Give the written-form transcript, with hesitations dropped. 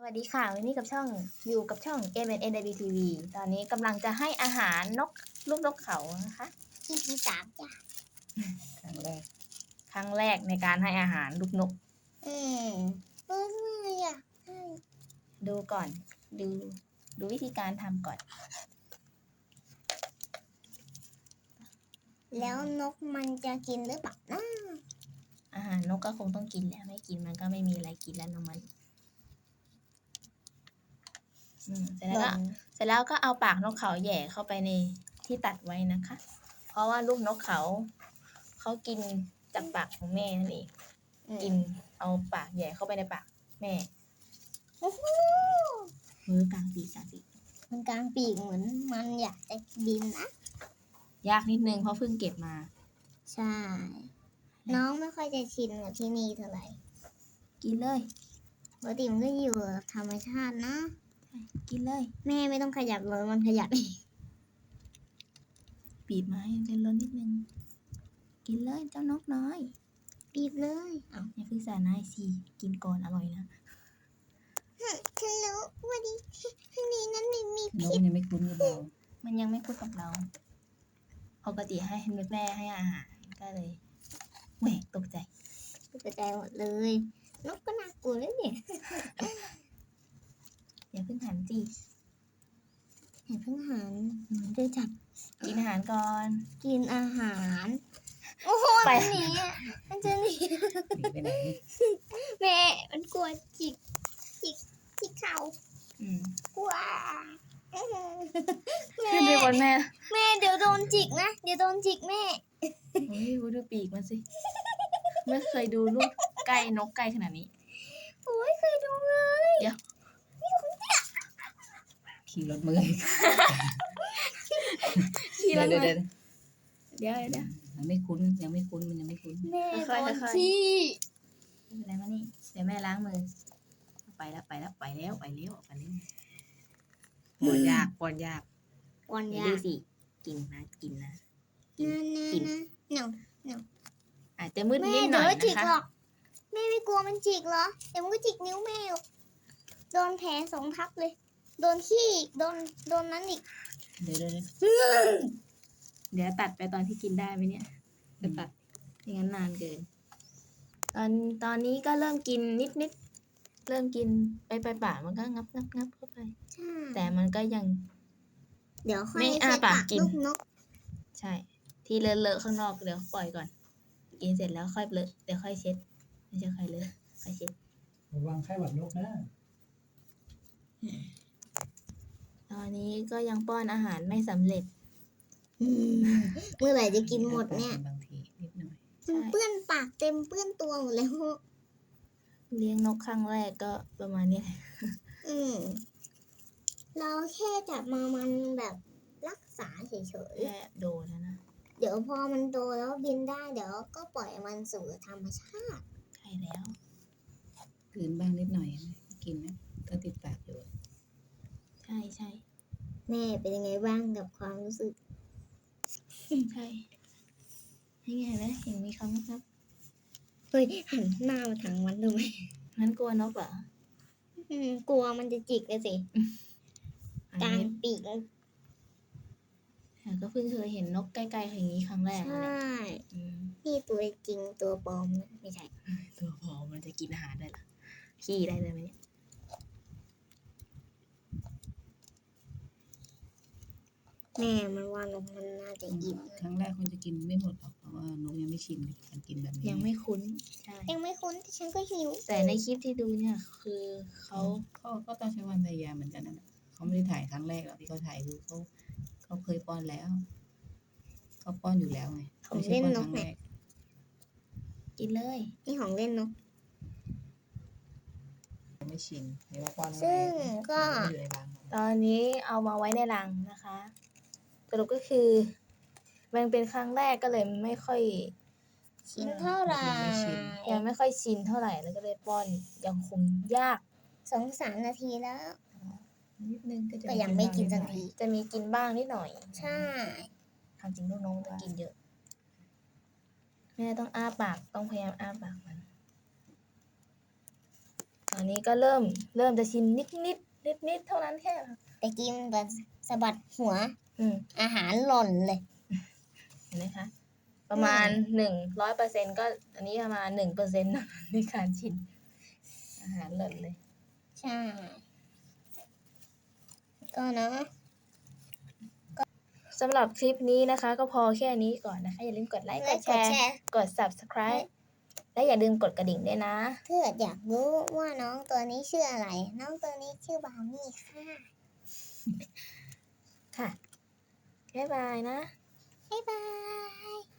วัสดีค่ะวันนี้กับช่องอยู่กับช่อง MNNWTV ตอนนี้กำลังจะให้อาหารลูกนกเขานะคะที่3จ้ะครั้งแรกในการให้อาหารลูกนกอืมเมื่อยอ่ะดูก่อนดูวิธีการทำก่อนแล้วนกมันจะกินหรือเปล่านะอาหารนกก็คงต้องกินแหละไม่กินมันก็ไม่มีอะไรกินแล้วนมันเสร็จแล้วก็เอาปากนกเขาแหย่เข้าไปในที่ตัดไว้นะคะ เพราะว่าลูกนกเขากินจากปากของแม่นั่นเองกินเอาปากแหย่เข้าไปในปากแม่มือกลางปีกมันกลางปีกเหมือนมันอยากจะบินนะยากนิดนึงเพราะเพิ่งเก็บมาใช่น้องไม่ค่อยจะชินกับที่นี่เท่าไหร่กินเลยปกติมันก็อยู่ธรรมชาตินะกินเลยแม่ไม่ต้องขยับเลยมันขยับเองบีบไม้เป็นล้นนิดนึงกินเลยเจ้านกน้อยบีบเลยอย่าเพิ่งใส่นายสิกินก่อนอร่อยนะฉันรู้ว่าดีที่นี่นั้นไม่มีนกพิษมันยังไม่คุ้นกับเรามันยังไม่คุ้นกับเราปกติให้แม่ให้อาหารก็เลยแหวกตกใจหมดเลยนกก็น่ากลัวเลยเนี่ยอย่าเพิ่งหันสิอย่าเพิ่งหันจะจับกินอาหารก่อนกินอาหารโอ้โหมันหนีมันจะหนีไปไหนแม่มันกลัวจิกเขากลัวแม่เป็นคนแม่เดี๋ยวโดนจิกนะเดี๋ยวโดนจิกแม่โอ้ยดูปีกมันสิไม่เคยดูลูกไก่นกไก่ขนาดนี้โอ้ยเคยดูเลยเดี๋ยวขี่รถมือขี่รถมือเดี๋ยวยังไม่คุ้นมันยังไม่คุ้นแม่ค่อยที่อะไรมานี่เดี๋ยวแม่ล้างมือไปแล้วปอนยากดูสิกินนะกินนะอาจจะมืดนิดหน่อยนะคะแม่ไม่กลัวมันจิกเหรอเดี๋ยวมันก็จิกนิ้วแม่โดนแผล2 ทับเลยโดนขี้โดนนั้นอีกเดี๋ยวตัดไปตอนที่กินได้ไหมเนี่ยจะตัดอย่างนั้นนานเกินตอนนี้ก็เริ่มกินนิดเริ่มกินไปปากมันก็งับเข้าไปแต่มันก็ยังเดี๋ยวค่อยอ้าปากกินลูกนกใช่ที่เลอะข้างนอกเดี๋ยวปล่อยก่อนกินเสร็จแล้วค่อยเลอะเดี๋ยวค่อยเช็ดไม่ใช่ค่อยเลอะค่อยเช็ดระวังไข้หวัดนกนะตอนนี้ก็ยังป้อนอาหารไม่สำเร็จเมื่อไหร่จะกินหมดเนี่ยบางทีนิดหน่อยเปื้อนปากเต็มเปื้อนตัวหมดแล้วเลี้ยงนกครั้งแรกก็ประมาณนี้เราแค่จับมันแบบรักษาเฉยๆแค่โดนนะเดี๋ยวพอมันโตแล้วบินได้เดี๋ยวก็ปล่อยมันสู่ธรรมชาติใช่แล้วคืนบ้างนิดหน่อยกินนะก็ติดปากอยู่ใช่แม่เป็นยังไงบ้างกับความรู้สึกใช่นี่ไงนะเห็นมีคำครับเฮ้ยหันหน้ามาทางมันดูไหมงั้นกลัวนกเหรอกลัวมันจะจิกเลยสิกลางปีกก็เพิ่งเคยเห็นนกใกล้ๆอย่างนี้ครั้งแรกใช่นี่ตัวจริงตัวปลอมไม่ใช่ตัวปลอมมันจะกินอาหารได้หรอขี้ได้เลยไหมเนี่ยแม่มันว่านกมันน่าจะอิ่มครั้งแรกมันจะกินไม่หมดหรอกเพราะว่านกยังไม่ชินกับการกินแบบนี้ยังไม่คุ้นใช่ยังไม่คุ้นแต่ฉันก็หิวแต่ในคลิปที่ดูเนี่ยคือเขาก็ต้องใช้ความพยายามเหมือนกันนะเขาไม่ได้ถ่ายครั้งแรกหรอกที่เขาถ่ายคือเขาเคยป้อนแล้วเขาป้อนอยู่แล้วไงของเล่นนกเนี่ยกินเลยนี่ของเล่นนกไม่ชินเดี๋ยวป้อนซึ่งก็ตอนนี้เอามาไว้ในรังนะคะสรุปก็คือมันเป็นครั้งแรกก็เลยไม่ค่อยชินเท่าไหร่ยังไม่ค่อยชินเท่าไหร่แล้วก็เลยป้อนยังคงยาก 2-3 นาทีแล้วนิดนึงก็ยังไม่กินสักทีจะมีกินบ้างนิดหน่อยใช่ทำจริงลูกน้องจะกินเยอะแม่ต้องอ้าปากต้องพยายามอ้าปากมันตอนนี้ก็เริ่มจะชินนิดเท่านั้นแค่แต่กี้มันแบบสะบัดหัวอืมอาหารหล่นเลยเห็นไหมคะ ประมาณ100%ก็อันนี้ประมาณ1%ในการชินอาหารหล่นเลยใช่ ก็เนาะสำหรับคลิปนี้นะคะ ก็พอแค่นี้ก่อนนะคะ อย่าลืมกดไลค์กดแชร์ กด subscribe และอย่าลืมกดกระดิ่งด้วยนะถ้าอยากรู้ว่าน้องตัวนี้ชื่ออะไร น้องตัวนี้ชื่อบราวนี่ค่ะค่ะ บ๊ายบายนะบ๊ายบาย